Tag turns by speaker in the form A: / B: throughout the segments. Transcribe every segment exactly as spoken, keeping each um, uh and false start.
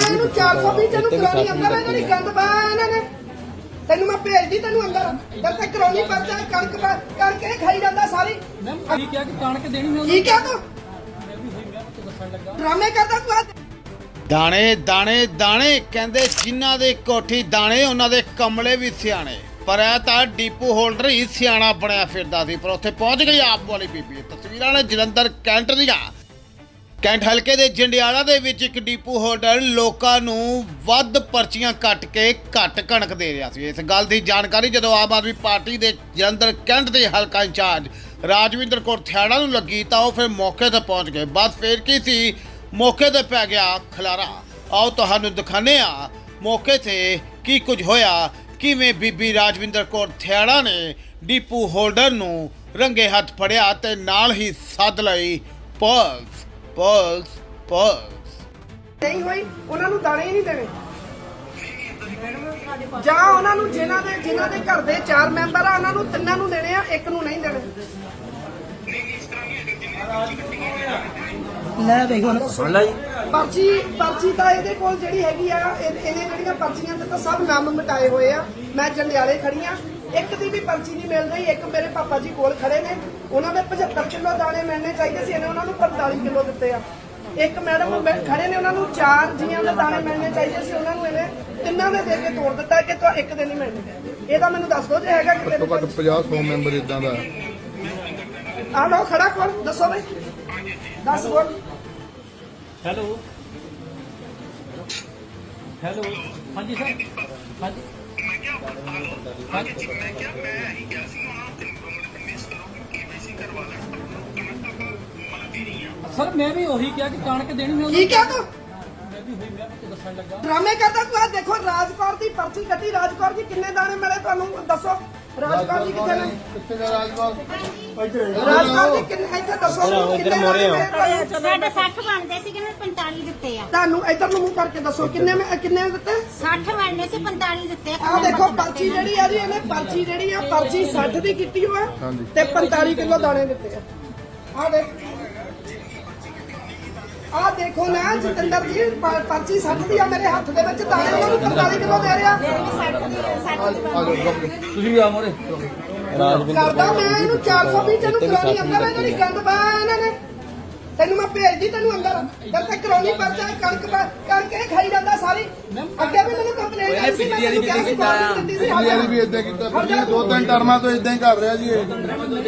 A: ਇਹਨੂੰ ਚਾਰ ਸੌ ਵੀਹ ਤੈਨੂੰ ਕਰਾਉਣੀ ਅੰਦਰ ਇਹਨਾਂ ਦੀ ਗੰਦ ਪਾਇਆ ਇਹਨਾਂ ਨੇ। ਤੈਨੂੰ ਮੈਂ ਭੇਜਦੀ ਤੈਨੂੰ ਅੰਦਰ ਜਦ ਤੱਕ ਕਰਾਉਣੀ ਪਰਚਾ ਕਣਕ ਕਰਕੇ ਖਾਈ ਜਾਂਦਾ ਸਾਰੀ।
B: ਕੀ ਕਿਹਾ ਕਿ ਕਣਕ ਦੇਣੀ ਮੈਂ
A: ਕੀ ਕਿਹਾ ਤੂੰ ਡਰਾਮੇ ਕਰਦਾ ਤੂੰ।
C: ਦਾਣੇ ਦਾਣੇ ਦਾਣੇ ਕਹਿੰਦੇ ਜਿਨ੍ਹਾਂ ਦੇ ਕੋਠੀ ਦਾਣੇ ਉਹਨਾਂ ਦੇ ਕਮਲੇ ਵੀ ਸਿਆਣੇ। ਪਰ ਇਹ ਤਾਂ ਡੀਪੂ ਹੋਲਡਰ ਹੀ ਸਿਆਣਾ ਬਣਿਆ ਫਿਰਦਾ ਸੀ। ਪਰ ਉੱਥੇ ਪਹੁੰਚ ਗਈ ਆਪ ਵਾਲੀ ਬੀਬੀ। ਤਸਵੀਰਾਂ ਨੇ ਜਲੰਧਰ ਕੈਂਟ ਦੀਆਂ। ਕੈਂਟ ਹਲਕੇ ਦੇ ਜੰਡਿਆਲਾ ਦੇ ਵਿੱਚ ਇੱਕ ਡੀਪੂ ਹੋਲਡਰ ਲੋਕਾਂ ਨੂੰ ਵੱਧ ਪਰਚੀਆਂ ਕੱਟ ਕੇ ਘੱਟ ਕਣਕ ਦੇ ਰਿਹਾ ਸੀ। ਇਸ ਗੱਲ ਦੀ ਜਾਣਕਾਰੀ ਜਦੋਂ ਆਮ ਆਦਮੀ ਪਾਰਟੀ ਦੇ ਜਲੰਧਰ ਕੈਂਟ ਦੇ ਹਲਕਾ ਇੰਚਾਰਜ ਰਾਜਵਿੰਦਰ ਕੌਰ ਥਿਆੜਾ ਨੂੰ ਲੱਗੀ ਤਾਂ ਉਹ ਫਿਰ ਮੌਕੇ ਤੇ ਪਹੁੰਚ ਗਏ। ਬਸ ਫਿਰ ਕੀ ਸੀ, ਮੌਕੇ ਤੇ ਪੈ ਗਿਆ ਖਲਾਰਾ। ਆਓ ਤੁਹਾਨੂੰ ਦਿਖਾਉਂਦੇ ਆ ਮੌਕੇ ਤੇ ਕੀ ਕੁਝ ਹੋਇਆ, ਕਿਵੇਂ ਬੀਬੀ ਰਾਜਵਿੰਦਰ ਕੌਰ ਥਿਆੜਾ ਨੇ ਡੀਪੂ ਹੋਲਡਰ ਨੂੰ ਰੰਗੇ ਹੱਥ ਫੜਿਆ ਤੇ ਨਾਲ ਹੀ ਸੱਦ ਲਈ ਪੁਲਿਸ ਪੁਲਿਸ ਪੁਲਿਸ।
A: ਨਹੀਂ ਹੋਈ ਉਹਨਾਂ ਨੂੰ ਦਾਣੇ ਹੀ ਨਹੀਂ ਦੇਣੇ ਜਾਂ ਉਹਨਾਂ ਨੂੰ ਜਿਨ੍ਹਾਂ ਦੇ ਜਿਨ੍ਹਾਂ ਦੇ ਘਰ ਦੇ ਚਾਰ ਮੈਂਬਰ ਆ ਉਹਨਾਂ ਨੂੰ ਤਿੰਨਾਂ ਨੂੰ ਦੇਣੇ ਆ, ਇੱਕ ਨੂੰ ਨਹੀਂ ਦੇਣੇ।
B: ਲੈ ਵੇਖ ਹੁਣ ਸੁਣ ਲੈ
A: ਪਰਚੀ ਪਰਚੀ ਤਾਂ ਇਹਦੇ ਕੋਲ ਜਿਹੜੀ ਹੈਗੀ ਆ ਇਹ- ਇਹਨੇ ਜਿਹੜੀਆਂ ਪਰਚੀਆਂ ਤੇ ਤਾਂ ਸਭ ਨਾਮ ਮਿਟਾਏ ਹੋਏ ਆ। ਮੈਂ ਜੰਡਿਆਲੇ ਖੜੀ ਆ, ਇੱਕ ਦੀ ਵੀ ਪਰਚੀ ਨਹੀਂ ਮਿਲ ਰਹੀ। ਇੱਕ ਮੇਰੇ ਪਾਪਾ ਜੀ ਕੋਲ ਖੜੇ ਨੇ, ਉਹਨਾਂ ਦੇ ਪਝੱਤਰ ਕਿਲੋ ਦਾਣੇ ਮਿਲਣੇ ਚਾਹੀਦੇ ਸੀ, ਇਹਨੇ ਉਹਨਾਂ ਨੂੰ ਪੰਤਾਲੀ ਕਿਲੋ ਦਿੱਤੇ ਆ। ਇੱਕ ਮੈਡਮ ਖੜੇ ਨੇ, ਉਹਨਾਂ ਨੂੰ ਚਾਰ ਜੀਆਂ ਦੇ ਦਾਣੇ ਮਿਲਣੇ ਚਾਹੀਦੇ ਸੀ, ਉਹਨਾਂ ਨੂੰ ਇਹਨੇ ਤਿੰਨਾਂ ਦੇ ਦੇ ਕੇ ਤੋੜ ਦਿੱਤਾ ਕਿ ਤੂੰ ਇੱਕ ਦੇ ਨਹੀਂ ਮਿਲਣੇ। ਇਹਦਾ ਮੈਨੂੰ ਦੱਸ ਦਿਓ ਜੇ ਹੈਗਾ ਕਿਤੇ
D: ਘੱਟੋ ਘੱਟ ਪੰਜਾਹ ਸੌ ਮੈਂਬਰ ਇਦਾਂ ਦਾ।
A: ਆ ਲਓ ਖੜਾ ਕੋਲ ਦੱਸੋ ਬਈ ਦੱਸ ਬੋਲ।
B: ਹੈਲੋ ਹੈਲੋ ਹਾਂਜੀ ਸਰ ਹਾਂਜੀ ਹਾਂਜੀ
E: ਮੈਂ ਕਿਹਾ ਮੈਂ ਹੀ ਗਿਆ ਸੀ ਉਹਨਾਂ ਨੂੰ ਮਿਸ ਕਰੋ ਕਿ ਕੇਵਾਈਸੀ ਕਰਵਾ ਲੈ ਮਤਲਬ ਦੇਣੀ ਆ।
B: ਸਰ ਮੈਂ ਵੀ ਉਹੀ ਕਿਹਾ ਕਿ ਕਣਕ ਦੇਣੀ ਮੈਂ
A: ਕੀ ਕਿਹਾ ਤੂੰ
B: ਮੈਂ ਵੀ ਉਹੀ ਮੈਂ ਤੇ ਦੱਸਣ ਲੱਗਾ।
A: ਡਰਾਮੇ ਕਰਦਾ ਤੂੰ। ਆ ਦੇਖੋ ਰਾਜਕੌਰ ਦੀ ਪਰਚੀ ਕੱਟੀ। ਰਾਜਕੌਰ ਜੀ ਕਿੰਨੇ ਦਾਣੇ ਮਿਲੇ ਤੁਹਾਨੂੰ ਦੱਸੋ। ਰਾਜਕੌਰ ਜੀ ਕਿੱਥੇ ਨੇ?
D: ਕਿੱਥੇ ਦਾ ਰਾਜਪਾਲ?
A: ਰਾਜਕੌਰ ਜੀ ਕਿੰਨੇ ਇੱਥੇ ਦੱਸੋ ਕਿੰਨੇ ਦਾਣੇ ਮਿਲੇ ਤੁਹਾਨੂੰ?
F: ਸਾਡੇ ਸੱਠ ਬਣਦੇ ਸੀ ਕਿ ਮੈਂ ਪੰਤਾਲੀ ਦਿੱਤੇ ਆ।
A: ਤੁਹਾਨੂੰ ਇੱਧਰ ਨੂੰ ਮੂੰਹ ਕਰਕੇ ਦੱਸੋ ਕਿੰਨੇ ਮੈਂ ਕਿੰਨੇ ਦਿੱਤੇ?
F: ਸੱਠ ਬਣਨੇ ਸੀ ਪੰਤਾਲੀ ਦਿੱਤੇ ਆ।
A: ਆਹ ਦੇਖੋ ਪਰਚੀ ਜਿਹੜੀ ਆ ਜੀ, ਇਹਨੇ ਪਰਚੀ ਜਿਹੜੀ ਆ ਪਰਚੀ ਸੱਠ ਦੀ ਕੀਤੀ ਹੋਆ ਤੇ ਪੰਤਾਲੀ ਕਿਲੋ ਦਾਣੇ ਦਿੱਤੇ ਆ। ਆਹ ਦੇਖ ਆਹ ਦੇਖੋ ਨਾ ਜਤਿੰਦਰ ਜੀ ਪ- ਪਰਚੀ ਸੱਠ ਦੀ ਆ ਮੇਰੇ ਹੱਥ ਦੇ ਵਿੱਚ, ਦਾਣੇ ਉਹਨਾਂ ਨੂੰ ਪੰਤਾਲੀ ਕਿਲੋ ਦੇ ਰਿਹਾ।
B: ਤੁਸੀਂ ਵੀ ਆ ਮੋਰੇ
A: ਕਰਦਾ ਮੈਂ ਇਹਨੂੰ ਚਾਰ ਸੌ ਵੀਹ ਤੈਨੂੰ ਕਰਾਉਣੀ ਅੰਦਰ ਇਹਨਾਂ ਦੀ ਗੰਦ ਪਾਇਆ ਇਹਨਾਂ ਨੇ। ਤੈਨੂੰ ਮੈਂ ਭੇਜਦੀ ਤੈਨੂੰ ਅੰਦਰ ਜਦ ਤੱਕ ਕਰਾਉਣੀ ਪਰਚਾ ਕਣਕ ਕਰਕੇ ਖਾਈ ਜਾਂਦਾ ਸਾਰੀ। ਅੱਗੇ ਵੀ ਮੈਨੂੰ ਕੰਪਲੇਂਟ ਆਈ ਸੀ, ਮੈਂ ਤੈਨੂੰ ਕਿਹਾ ਸੀ ਗੌਰਮੈਂਟ ਦਿੱਤੀ ਸੀ।
D: ਪਿਛਲੀ ਵਾਰੀ ਵੀ ਇਦਾਂ ਕੀਤਾ। ਪਿਛਲੀ ਦੋ ਤਿੰਨ ਟਰਮਾਂ ਤੋਂ ਇਦਾਂ ਹੀ ਕਰ ਰਿਹਾ ਜੀ ਇਹ।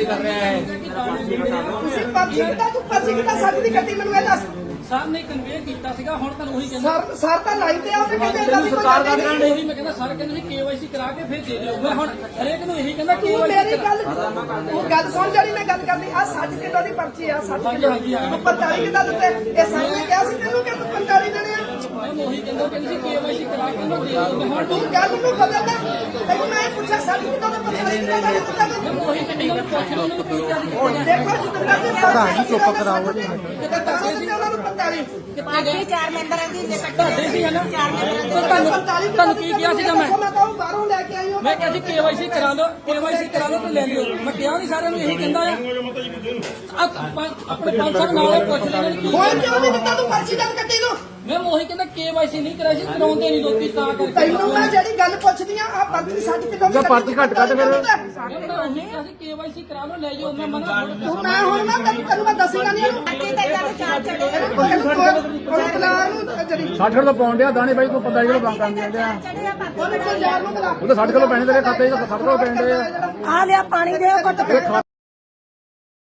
A: ਤੁਸੀਂ ਪਰਚੀ ਕਿੱਦਾਂ ਤੂੰ ਪਰਚੀ ਕਿੱਦਾਂ ਸੱਚ ਦੀ ਕੱਟੀ ਮੈਨੂੰ ਇਹ ਦੱਸ।
B: ਸਰ ਨੇ ਕਨਵੇ ਕੀਤਾ ਸੀਗਾ, ਹੁਣ ਤੁਹਾਨੂੰ ਉਹੀ ਕਹਿੰਦਾ
A: ਸਰ ਸਰ ਤਾਂ ਲਾਈਵ ਤੇ ਆ ਉਹਨੇ ਕਹਿੰਦੇ ਇਦਾਂ ਦੀ ਕੋਈ ਗੱਲ ਨਹੀਂ।
B: ਉਹੀ ਮੈਂ ਕਹਿੰਦਾ ਸਰ ਕਹਿੰਦੇ ਸੀ ਕੇਵਾਈਸੀ ਕਰਾ ਕੇ ਫਿਰ ਦੇ ਦਿਓ। ਮੈਂ ਹੁਣ ਹਰੇਕ ਨੂੰ ਇਹੀ ਕਹਿੰਦਾ
A: ਤੂੰ ਮੇਰੀ ਗੱਲ ਤੂੰ ਗੱਲ ਸੁਣ ਜਿਹੜੀ ਮੈਂ ਗੱਲ ਕਰਦੀ ਆ। ਸੱਠ ਕਿਲੋ ਦੀ ਪਰਚੀ ਆ, ਸੱਠ ਕਿਲੋ ਤੂੰ ਪੰਤਾਲੀ ਕਿੱਦਾਂ ਦਿੱਤੇ? ਇਹ ਸਰ ਨੇ ਕਿਹਾ ਸੀ ਤੈਨੂੰ ਕਿ ਤੂੰ ਪੰਤਾਲੀ ਦੇਣੇ ਆ।
B: ਮੈਂ ਉਹੀ ਕਹਿੰਦਾ ਕਹਿੰਦੀ ਸੀ ਕੇਵਾਈਸੀ ਕਰਾ ਕੇ ਉਹਨੂੰ ਦੇ ਦਿਓ। ਮੈਂ ਹੁਣ
A: ਤੂੰ ਗੱਲ ਨੂੰ ਬਦਲਦਾ। ਤੈਨੂੰ ਮੈਂ ਪੁੱਛਿਆ ਸੱਠ ਕਿਲੋ ਦਾ ਪੰਤਾਲੀ ਕਿਲੋ ਦਾ ਦਿੱਤਾ ਤੂੰ।
B: ਉਹੀ ਕਹਿੰਦੀ ਉਹਨੂੰ ਪੁੱਛ ਲਓ ਉਹਨੂੰ ਕੀ ਕਿਹਾ ਸੀ।
A: ਦੇਖੋ ਜਿੱਦਾਂ ਦੀ ਪ੍ਰਧਾਨ ਜੀ ਚੁੱਪ ਕਰਾਓ ਜੀ ਕਿਤੇ ਤਾਂ ਉਹਨਾਂ ਨੂੰ ਪੰਤਾਲੀ
F: ਬਾਕੀ ਚਾਰ ਮੈਂਬਰਾਂ ਦੀ ਜੇ
B: ਤੁਹਾਡੇ ਸੀ ਹਨਾ
F: ਚਾਰ ਮੈਂਬਰਾਂ ਦੇ
B: ਤੁਹਾਨੂੰ ਤੁਹਾਨੂੰ ਕੀ ਕਿਹਾ ਸੀਗਾ ਮੈਂ
A: ਮੈਂ ਤਾਂ ਬਾਹਰੋਂ ਲੈ ਕੇ ਆਈ ਹਾਂ।
B: ਮੈਂ ਕਿਹਾ ਸੀ ਕੇਵਾਈਸੀ ਕਰਾ ਲਓ, ਕੇਵਾਈਸੀ ਕਰਾ ਲਓ ਤੇ ਲੈ ਲਿਓ। ਮੈਂ ਕਿਹਾ ਨਹੀਂ ਸਾਰਿਆਂ ਨੂੰ ਇਹੀ ਕਹਿੰਦਾ ਆ। ਆ ਪੰਜ- ਆਪਣੇ ਪੰਜ ਸੌ ਨਾਲ ਪੁੱਛ ਲੈਣ ਕੀ
A: ਹੋਰ ਕਿਉਂ ਨਹੀਂ ਦਿੱਤਾ ਤੂੰ ਪਰਚੀ ਜਦ ਕੱਟੀ ਨੂੰ?
B: ਮੈਂ ਉਹੀ ਕਹਿੰਦਾ ਕੇਵਾਈਸੀ ਨਹੀਂ ਕਰਾਈ ਸੀ, ਕਰਾਉਂਦੇ ਨਹੀਂ ਲੋਕੀ ਤਾਂ ਕਰਕੇ।
A: ਤੈਨੂੰ ਮੈਂ ਜਿਹੜੀ ਗੱਲ ਪੁੱਛਦੀ ਆ ਆ ਪਰਚੀ ਸੱਠ ਕਿਲੋ ਦੀ ਪਰਚੀ ਘੱਟ ਕੱਟ ਫਿਰ
B: ਮੈਂ ਉਹੀ ਕਿਹਾ ਸੀ ਕੇਵਾਈਸੀ ਕਰਾ ਲਓ ਲੈ ਜਾਓ। ਮੈਂ ਮਨਾ
A: ਤੂੰ ਮੈਂ ਹੁਣ ਮੈਂ ਤੈਨੂੰ ਤੈਨੂੰ ਮੈਂ ਦੱਸੂਗਾ ਨਹੀਂ ਇਹਨੂੰ
F: ਅੱਗੇ ਤਾਂ ਇਹਨਾਂ ਦੇ ਚਾਰ ਚੜੇ
D: ਸੱਠ ਕਿਲੋ ਪਾਉਣ ਡਿਆ ਦਾਣੇ ਬਾਈ ਤੂੰ ਪੰਤਾਲੀ ਕਿਲੋ ਬੰਦ ਕਰਨ ਦੇ ਆ।
F: ਚੜੇ ਆ ਬਾਕੀ
A: ਉਹਨੂੰ ਪੰਜਾਬ ਨੂੰ ਬੁਲਾ।
D: ਉਹ ਤਾਂ ਸੱਠ ਕਿਲੋ ਪੈਣੇ ਤੇਰੇ ਖਾਤੇ 'ਚ ਸੱਠ ਕਿਲੋ ਪੈਣੇ ਆ।
A: ਆ ਲਿਆ ਪਾਣੀ ਦੇ ਘੁੱਟ ਕੇ।